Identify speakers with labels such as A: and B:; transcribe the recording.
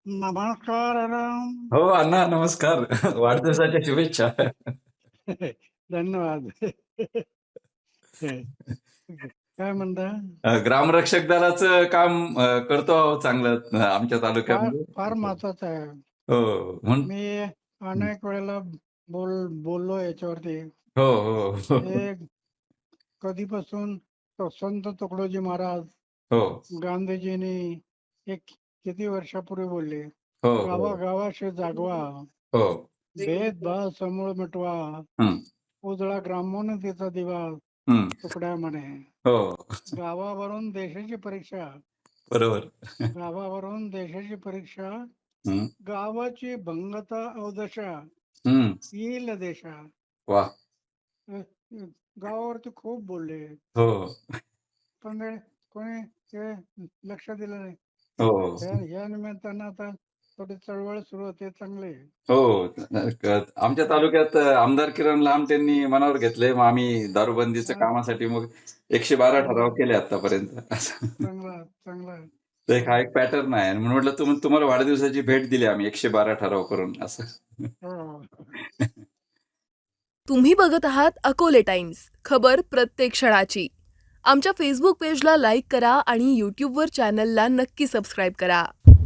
A: नमस्कार राम.
B: हो अण्णा नमस्कार. वाढदिवसाच्या शुभेच्छा.
A: धन्यवाद. काय म्हणता?
B: ग्रामरक्षक दलाचं काम करतो आहोत चांगलं आमच्या
A: फार
B: तालुक्यामध्ये.
A: फार महत्वाचं आहे.
B: हो म्हणून
A: मी अनेक वेळेला बोललो याच्यावरती.
B: हो हो हो
A: हे कधीपासून संत तुकडोजी महाराज
B: हो
A: गांधीजींनी एक किती वर्षापूर्वी बोलले,
B: हो हो
A: गावागावाशी जागवा,
B: हो
A: भेदभाव समूळ मिटवा,
B: हं,
A: उजळा ग्रामोन्नतीचा दिवा
B: हं,
A: तुकड्या म्हणे.
B: हो
A: गावावरून देशाची परीक्षा,
B: बरोबर.
A: गावावरून देशाची परीक्षा,
B: हं,
A: गावाची भंगता अवदशा,
B: हं,
A: येईल देशा.
B: वा
A: अ, गावावरती खूप बोलले,
B: हो
A: पण कोणी ते लक्ष दिलं नाही.
B: हो
A: या निमित्तानं आता थोडी चळवळ सुरू होते, चांगले.
B: हो. आमच्या तालुक्यात आमदार किरण लांब त्यांनी मनावर घेतले. मग आम्ही दारूबंदीच्या कामासाठी मग 112 ठराव केले आतापर्यंत.
A: चांगला चांगला.
B: तर हा एक पॅटर्न आहे म्हणून म्हटलं तुम्हाला वाढदिवसाची भेट दिली आम्ही 112 ठराव करून असं.
A: हो.
C: तुम्ही बघत आहात अकोले टाइम्स, खबर प्रत्येक क्षणाची. आमच्या फेसबुक पेजला लाईक करा आणि यूट्यूबवर चॅनलला नक्की सबस्क्राईब करा.